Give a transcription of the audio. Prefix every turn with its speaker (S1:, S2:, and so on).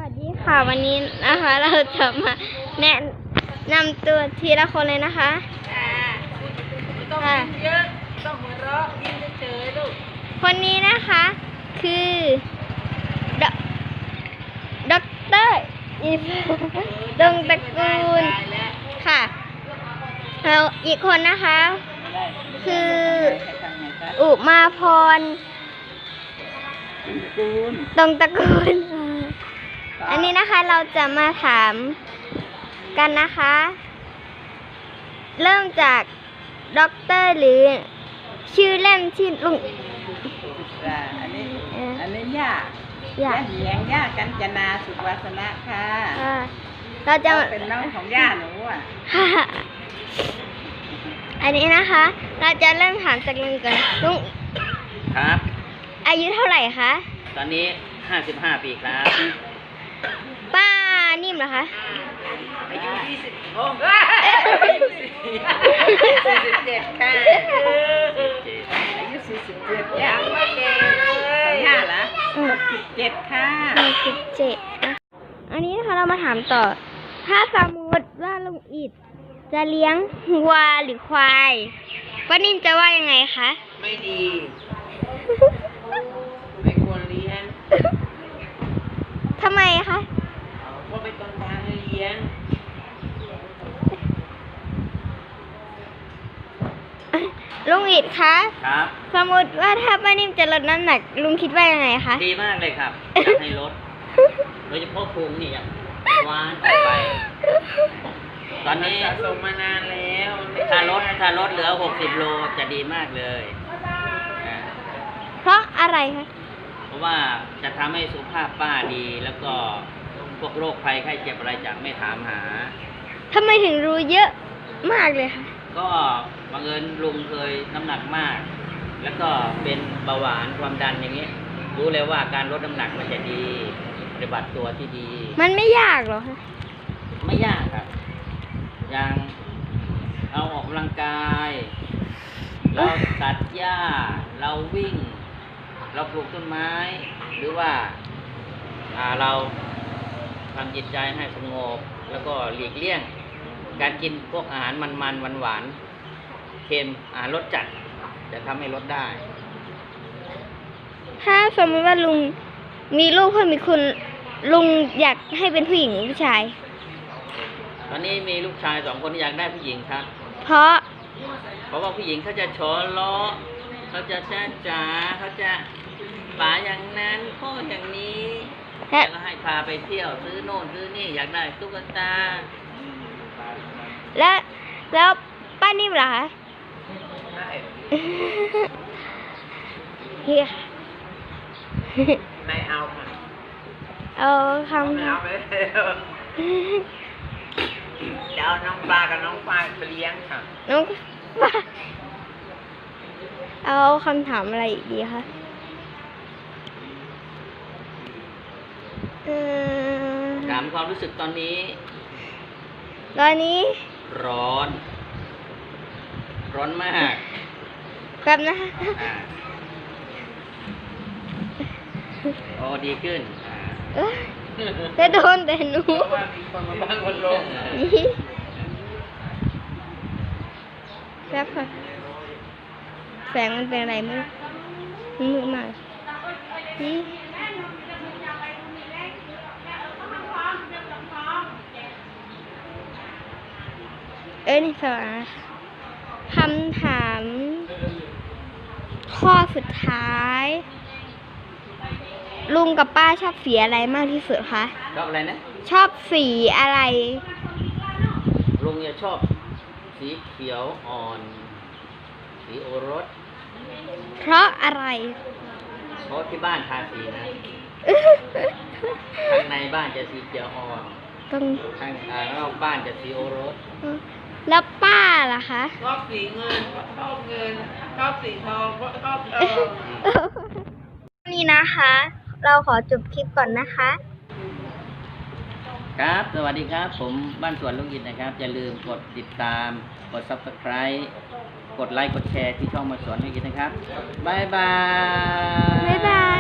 S1: วัสดีค่ะวันนี้นะคะเราจะมาแนะนำตัวทีละคนเลยนะคะ
S2: ต้องกินเยอะต้องหัวเราะกินเฉยๆลูก
S1: คนนี้นะคะคือด็อกเตอร์อีฟดงตระกูลค่ะแล้วอีกคนนะคะคืออุมาพรดงตระกูลอันนี้นะคะเราจะมาถามกันนะคะเริ่มจากด็อกเตอร์หรือชื่อเล่นที่ลุง
S2: อันนี้ย่าเหียงย่ากัญจนาสุขวาสนะค่ะ
S1: เราจะ
S2: เป็นน้องของย่าหนูอ่ะ
S1: อันนี้นะคะเราจะเริ่มถามจากลุงก่อนลุง
S3: ครับ
S1: อายุเท่าไหร่คะ
S3: ตอนนี้55 ปีครับ
S1: ป้านิ่มเหรอคะ
S2: อายุ20อายุ47ค่ะอายุ47ยังไม่แก่เลยย่าเหรอ67ค่ะ
S1: 67อันนี้นะคะเรามาถามต่อถ้าสมมติว่าลุงอิฐจะเลี้ยงวัวหรือควายป้านิ่มจะว่ายังไงคะ
S2: ไม่ดีไม่ควรเลี้ยง
S1: ทำไมคะ
S2: ว่าไปต้นทางเลี้ยง
S1: ลุงอิฐคะ
S3: ครับ
S1: สมมติว่าถ้าป้านิ่มจะลดน้ำหนักลุงคิดว่ายังไงคะ
S3: ดีมากเลยครับอยากให้ลดโดยเฉพาะพุงนี่หวานออกไปตอนนี้
S2: สะสมมานานแล้ว
S3: ถ้าลดเหลือ60 โลจะดีมากเลย
S1: เพราะอะไรคะ
S3: เพราะว่าจะทำให้สุขภาพป้าดีแล้วก็พวกโรคภัยไข้เจ็บอะไรจะไม่ถามหา
S1: ทำไมถึงรู้เยอะมากเลยคะ
S3: ก็บังเอิญลุงเคยน้ำหนักมากแล้วก็เป็นเบาหวานความดันอย่างนี้รู้เลยว่าการลดน้ำหนักมันจะดีปฏิบัติตัวที่ดี
S1: มันไม่ยากหรอคะ
S3: ไม่ยากครับอย่างเราออกกำลังกายเราตัดหญ้าเราวิ่งเราปลูกต้นไม้หรือว่าเราทำจิตใจให้สงบแล้วก็หลีกเลี่ยงการกินพวกอาหารมันหวานเค็มอาหารรสจัดจะทำให้ลดได้
S1: ถ้าสมมติว่าลุงมีลูกเพิ่มอีกคนลุงอยากให้เป็นผู้หญิงหรือผู้ชาย
S3: ตอนนี้มีลูกชาย2 คนอยากได้ผู้หญิงครับ
S1: เพราะ
S3: ว่าผู้หญิงเขาจะชอล้อเขาจะจ้าจ๋าเขาจะป๋าอย่างนั้นพ่ออย่างนี้แล้วให้พาไปเที่ยวซื้อโน่นซื้อนี่อยากได้ตุ๊กตา
S1: แล้วป้านิ่มเหรอคะเฮีย
S2: ไม่เอาค่ะ
S1: เอาคำ
S2: ไม่เอาไปเดี๋ยวน้องปลากับน้องปลาไปเลี้ยงค่ะ
S1: น้องปลาเอาคำถามอะไรอีกดีคะ
S3: ถามความรู้สึกตอนนี้ร้อนมาก
S1: ครับนะ
S3: โอ้ดีขึ้น
S1: จะโดนแต่หนู
S2: ว่ามีคนมาบ้างคนลง
S1: ครับค่ะแสงมันเป็นอะไรมืดมากนี่นี่สวัสดีคำถามข้อสุดท้ายลุงกับป้าชอบสีอะไรมากที่สุดคะ
S3: ชอบอะไรนะ
S1: ชอบสีอะไร
S3: ลุงจะชอบสีเขียวอ่อนสีโอรส
S1: เพราะอะไร
S3: เพราะที่บ้านทาสีนะข้างในบ้านจะสีเขียวอ่อนข้างนอกบ้านจะสีโอรส
S1: แล้วป้าล่ะคะ
S2: ชอบสีเงินชอบสีทองชอบทอง
S1: นี่นะคะเราขอจบคลิปก่อนนะคะ
S3: ครับสวัสดีครับผมบ้านสวนลุงอิฐนะครับอย่าลืมกดติดตามกด Subscribe กดไลค์กดแชร์ที่ช่องบ้านสวนลุงอิฐนะครับบ๊ายบาย